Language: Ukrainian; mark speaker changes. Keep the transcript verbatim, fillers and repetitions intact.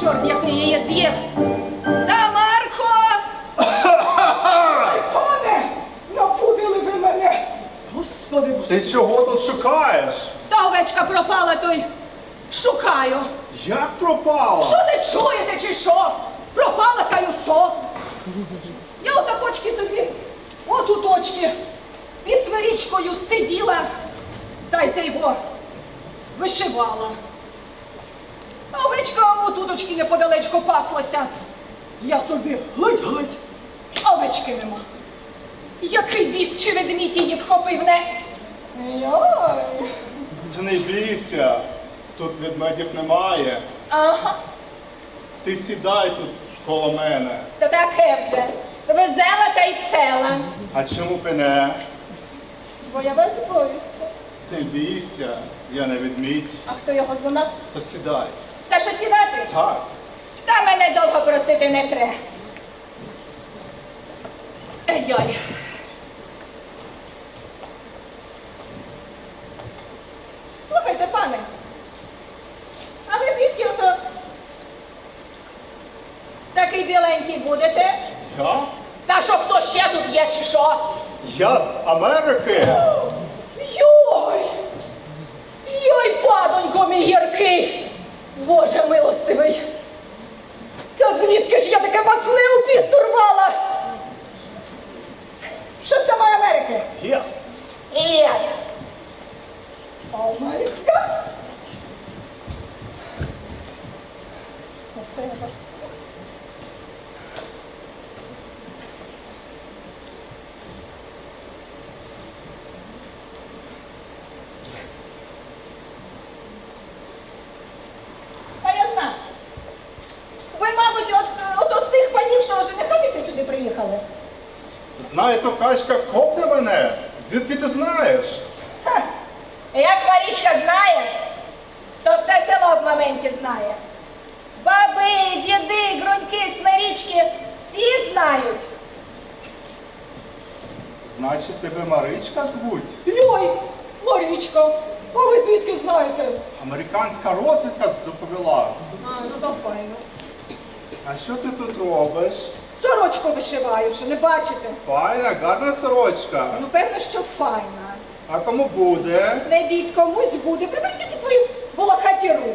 Speaker 1: чорт, який її з'їв. Тамарко!
Speaker 2: Ай, пане, напудили ви мене. Господи Боже.
Speaker 3: Ти чого тут шукаєш?
Speaker 1: Та овечка пропала, то й шукаю.
Speaker 3: Як пропала?
Speaker 1: Що не чуєте, чи що? Пропала та й усо. Я отакочки собі, от у точки, під смирічкою сиділа, та й те його вишивала. А овечка у туточки неподалечко паслася. Я собі глядь-глядь, а овечки нема. Який біс чи ведмідь її вхопив, не? Йой.
Speaker 3: Та не бійся, тут ведмедів немає.
Speaker 1: Ага,
Speaker 3: Ти сідай тут коло мене.
Speaker 1: то таке вже. Везела та й села.
Speaker 3: А чому б і не?
Speaker 1: Бо я вас боюся.
Speaker 3: Не бійся, я не ведмідь.
Speaker 1: А хто його знав?
Speaker 3: То сідай.
Speaker 1: Та що сідати?
Speaker 3: Так.
Speaker 1: Та мене довго просити не треба. Ей-йой. Слухайте, пане, а ви звідки ото такий біленький будете?
Speaker 3: Я?
Speaker 1: Та що хто ще тут є, чи що?
Speaker 3: Я з Америки.
Speaker 1: Йой! Йой, падонько мій гіркий! Боже милостивий! Та звідки ж я таке масне у піст урвала? Що з самої Америки?
Speaker 3: Єс.
Speaker 1: Єс! Америка? Та я знаю. Ви, мабуть, от, от з тих панів, що женихатися сюди приїхали.
Speaker 3: Знає то качка, копне мене. Звідки ти знаєш?
Speaker 1: Ха. Як Марічка знає, то все село в моменті знає. Баби, діди, груньки, смирічки всі знають.
Speaker 3: Значить, тебе Маричка звуть?
Speaker 1: Йой, Марічка, а ви звідки знаєте?
Speaker 3: Американська розвідка доповіла.
Speaker 1: А, ну то файно.
Speaker 3: А що ти тут робиш?
Speaker 1: Сорочку вишиваю, що не бачите?
Speaker 3: Файна, гарна сорочка.
Speaker 1: Ну, певно, що файна.
Speaker 3: А кому буде?
Speaker 1: Не бійсь, комусь буде. Приберіть ті свої волохаті руки.